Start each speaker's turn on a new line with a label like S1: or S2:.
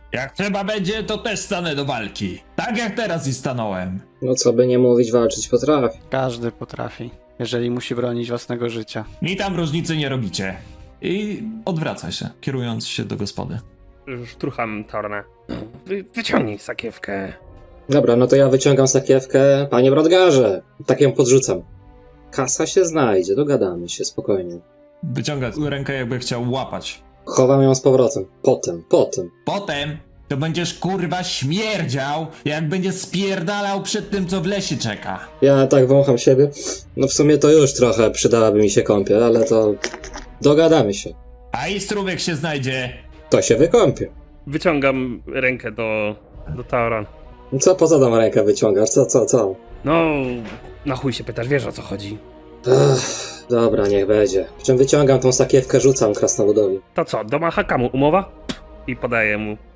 S1: Jak trzeba będzie, to też stanę do walki. Tak jak teraz i stanąłem.
S2: No co by nie mówić, walczyć potrafi.
S3: Każdy potrafi, jeżeli musi bronić własnego życia.
S1: Mi tam różnicy nie robicie. I odwraca się, kierując się do gospody.
S4: Szturcham Taurona. Wyciągnij sakiewkę.
S2: Dobra, no to ja wyciągam sakiewkę. Panie Brodgarze, tak ją podrzucam. Kasa się znajdzie, dogadamy się, spokojnie.
S1: Wyciąga rękę, jakby chciał łapać.
S2: Chowam ją z powrotem. Potem.
S1: Potem to będziesz kurwa śmierdział, jak będziesz spierdalał przed tym, co w lesie czeka.
S2: Ja tak wącham siebie. No w sumie to już trochę przydałaby mi się kąpiel, ale to... Dogadamy się.
S1: A i strówek się znajdzie.
S2: To się wykąpię.
S4: Wyciągam rękę do Taurona.
S2: Co poza tą rękę wyciągasz? Co?
S4: No, na chuj się pytasz, wiesz o co chodzi.
S2: Dobra, niech będzie. Przy czym wyciągam tą sakiewkę, rzucam krasnoludowi.
S4: To co, do Mahakamu umowa? I podaję mu